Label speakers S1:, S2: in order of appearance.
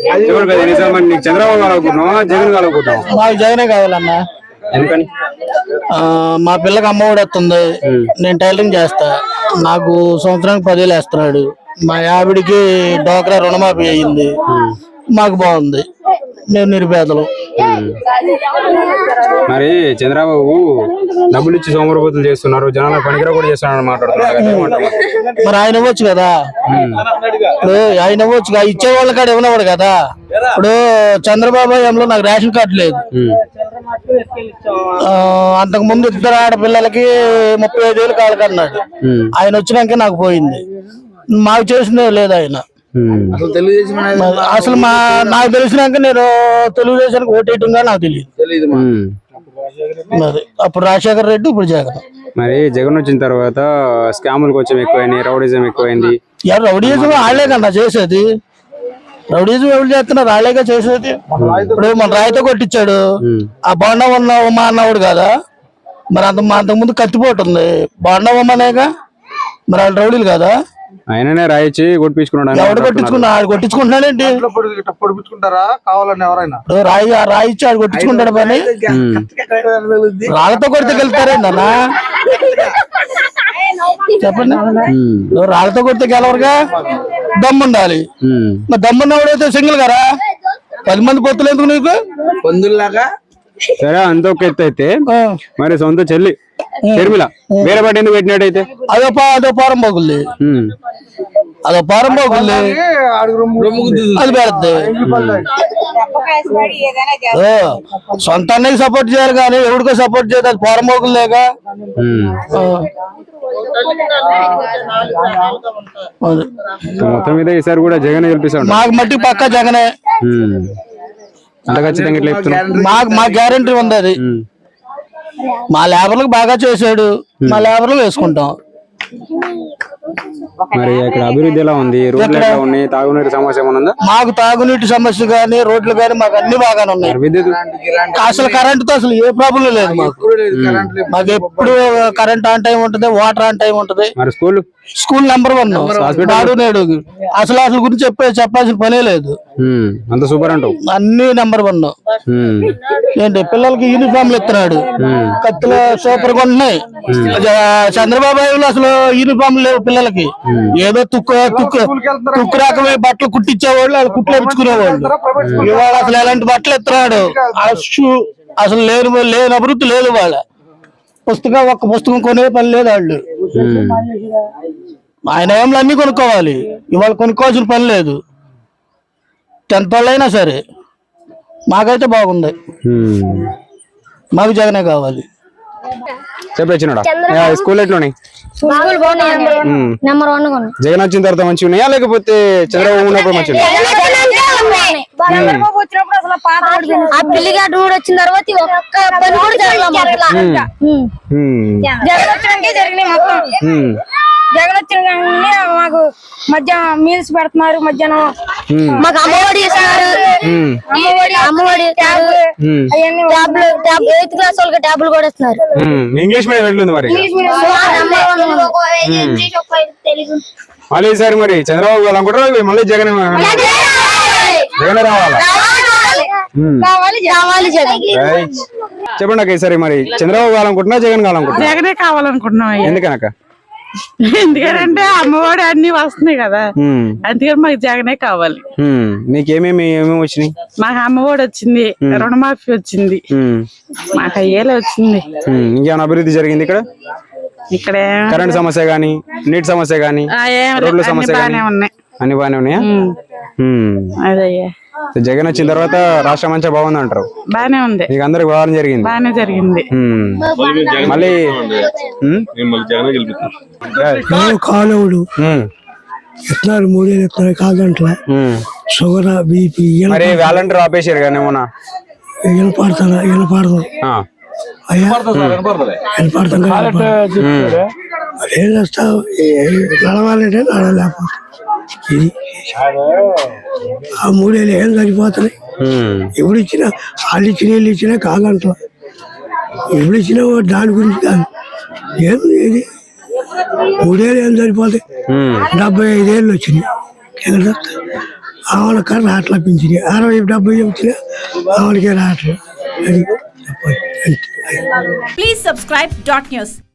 S1: చంద్రబాబు కావాలనుకుంటున్నావా జగన్ కావాలనుకుంటున్నావా?
S2: మాకు జగనే కావాలన్నా.
S1: ఎందుకని?
S2: మా పిల్లకి అమ్మ ఒడి వస్తుంది, నేను టైలరింగ్ చేస్తా, నాకు సంవత్సరానికి 10,000 వేస్తున్నాడు. మా ఆవిడికి డోక్రా రుణమాఫీ అయ్యింది, మాకు బాగుంది, మేము నిరుపేదలు.
S1: మరి చంద్రబాబు డబ్బులు ఇచ్చి సోమరపోతులు చేస్తున్నారు, జనాల పనికిరా కూడా చేస్తున్నారు మాట్లాడుతున్నారు.
S2: మరి ఆయన ఇవ్వచ్చు కదా, ఇప్పుడు ఆయన ఇవ్వచ్చు, ఇచ్చే వాళ్ళ కాడ ఇవ్వనవాడు కదా. ఇప్పుడు చంద్రబాబు హయాంలో నాకు రేషన్ కార్డు లేదు, అంతకు ముందు 2 ఆడపిల్లలకి 35,000 కాలకన్నాడు. ఆయన వచ్చినాక నాకు పోయింది, మాకు చేసిందే లేదు ఆయన. అసలు నాకు తెలిసినాక నేను తెలుగుదేశానికి ఓటేయటంగా నాకు తెలియదు. మరి అప్పుడు రాజశేఖర్ రెడ్డి, ఇప్పుడు జగన్.
S1: మరి జగన్ వచ్చిన తర్వాత స్కాములు కొంచెం ఎక్కువైనాయి, రౌడీజం ఎక్కువైంది.
S2: రౌడీజం వాళ్ళే కన్నా చేసేది, రౌడీజం ఎవరు చేస్తున్నారు, వాళ్ళేగా చేసేది. ఇప్పుడు మన రాయితో కొట్టించాడు, ఆ బాండా ఉమా అన్నవాడు కదా. మరి అంతకుముందు కత్తిపోతుంది, బాండా ఉమ్మనేగా, మరి వాళ్ళు రౌడీలు కదా.
S1: ఆయననే రాయిచ్చి కొట్టించుకున్నాడు.
S2: ఎవడు కొట్టించుకున్నాడు? కొట్టించుకుంటున్నాడేంటి? రాయిచ్చి ఆడు కొట్టించుకుంటాడు పని. రాళ్ళతో కొడితే గెలుస్తారేందన్నా చెప్పండి? రాళ్ళతో కొడితే గెలవరుగా, దమ్ముండాలి. మరి దమ్మున్నవాడైతే సింగిల్ గారా, 10 మంది పొత్తులు ఎందుకు నీకు పొందుల్లాగా?
S1: సరే, అంత ఒక ఎత్తు అయితే మరి సొంత చెల్లి షర్మిల వేరే పాట ఎందుకు పెట్టినట్టయితే?
S2: అదో పారం పోగుల్ది, అదో పారం పోగుల్ది, అది పెడద్ది. సొంత అన్నకి సపోర్ట్ చేయాలి కానీ ఎవరికో సపోర్ట్ చేయదు, అది పారం పోగులేగా.
S1: మొత్తం మీద ఈసారి కూడా జగన్ గెలిపిస్తాడు.
S2: మాకు మట్టి పక్క జగనే,
S1: అంత ఖచ్చితంగా
S2: మా గ్యారంటీ ఉంది అది. మా లేబర్లకు బాగా చేశాడు, మా లేబర్లు వేసుకుంటాం.
S1: మరి ఇక్కడ అభివృద్ధి ఎలా ఉంది? రోడ్లు ఎలా ఉన్నాయి? తాగునీటి సమస్య ఏమన్నా?
S2: మాకు తాగునీటి సమస్య గానీ, రోడ్లు గానీ మాకు అన్ని బాగానే ఉన్నాయి.
S1: విద్యుత్
S2: అసలు కరెంటుతో అసలు ఏ ప్రాబ్లం లేదు మాకు ఎప్పుడు కరెంట్ ఆన్ టైం ఉంటది, వాటర్ ఆన్ టైం ఉంటది.
S1: మరి
S2: స్కూల్ నెంబర్ 1 నాడు నేడు అసలు గురించి చెప్పాల్సిన పనే లేదు.
S1: అంత సూపర్ అంటావు,
S2: అన్ని నెంబర్ 1. ఏంటి పిల్లలకి యూనిఫామ్లు ఇస్తున్నాడు, కత్తులు సూపర్ గా ఉన్నాయి. చంద్రబాబు అసలు యూనిఫామ్ లేవు పిల్లలకి, ఏదో తుక్కు రకమే బట్టలు కుట్టించేవాళ్ళు, వాళ్ళు కుట్లు వేయించుకునేవాళ్ళు. ఇవాళ అసలు ఎలాంటి బట్టలు ఇస్తున్నాడు, అసలు లేని అభివృద్ధి లేదు. వాళ్ళ ఒక్క పుస్తకం కొనే పని లేదు వాళ్ళు. ఆయన ఏమో అన్ని కొనుక్కోవాలి, ఇవాళ కొనుక్కోవాల్సిన పని లేదు. 10th వాళ్ళైనా సరే మాకైతే బాగుంది, మాకు జగనే కావాలి.
S1: చెప్పొచ్చినాడా స్కూల్ ఎట్లున్నాయి? జగన్ వచ్చిన తర్వాత మంచిగా ఉన్నాయా లేకపోతే చంద్రబాబు ఉన్నప్పుడు మంచిగా ఉన్నాయా?
S3: వచ్చిన తర్వాత ఒక్క పని కూడా జగన్ వచ్చిన మాకు మధ్యాహ్నం మీల్స్ పెడుతున్నారు, మధ్యాహ్నం మాకు అమ్మఒడి ఇస్తున్నారు, అమ్మఒడి 8th క్లాస్ వాళ్ళకి ట్యాబ్లు కూడా ఇస్తున్నారు.
S1: ఇంగ్లీష్ మీడియం ఎట్లుంది మరి? మళ్ళీ ఈసారి మరి చంద్రబాబు అనుకుంటారా మళ్ళీ జగన్ రావాలా? చెప్పండి అక్క, ఈసారి మరి చంద్రబాబు కావాలనుకుంటున్నా జగన్ కావాలనుకుంటున్నా?
S4: జగనే కావాలనుకుంటున్నాం.
S1: ఎందుకనక్క?
S4: ఎందుకంటే అమ్మఒడి అన్ని వస్తున్నాయి కదా, అందుకని మాకు జగనే కావాలి.
S1: మీకేమేమి వచ్చినాయి?
S4: మాకు అమ్మఒడి వచ్చింది, రుణమాఫీ వచ్చింది, మాకు అయ్యేలా వచ్చింది.
S1: ఇంకేమైనా అభివృద్ధి జరిగింది ఇక్కడ?
S4: ఇక్కడ
S1: కరెంట్ సమస్య గానీ, నీటి సమస్య గానీ, రోడ్ల సమస్య గానీ అన్ని బాగానే ఉన్నాయా?
S4: అదయ్యా,
S1: జగన్ వచ్చిన తర్వాత రాష్ట్రం మంచిగా బాగుంది అంటారు?
S4: బానే ఉంది,
S1: మీకు అందరికి బాగా జరిగింది?
S4: బానే జరిగింది.
S1: మళ్ళీ
S5: కాలువలు ఇస్తున్నారు, 3 ఏళ్ళు ఇస్తున్నారు, కాదంట్ల షుగర్ బీపీ.
S1: మరి వాలంటీర్ ఆపేసారు కానీ ఏమన్నా
S5: వినపడతాను ఏం చేస్తావు, నడవాలంటే నడవలేకపోతే ఇది ఆ 3 ఏళ్ళు ఏం సరిపోతున్నాయి. ఎప్పుడు ఇచ్చినా వాళ్ళు ఇచ్చిన వీళ్ళు ఇచ్చినా కాదంట్లా, ఎప్పుడు ఇచ్చినా దాని గురించి కాదు. ఏం ఇది 3 ఏళ్ళు ఏం సరిపోతాయి, 75 ఏళ్ళు వచ్చినాయి. ఆమెకి రావట్లా పింఛని 60-70 వచ్చినా ఆమెకే రావట్లా అది.
S6: Please subscribe dot news.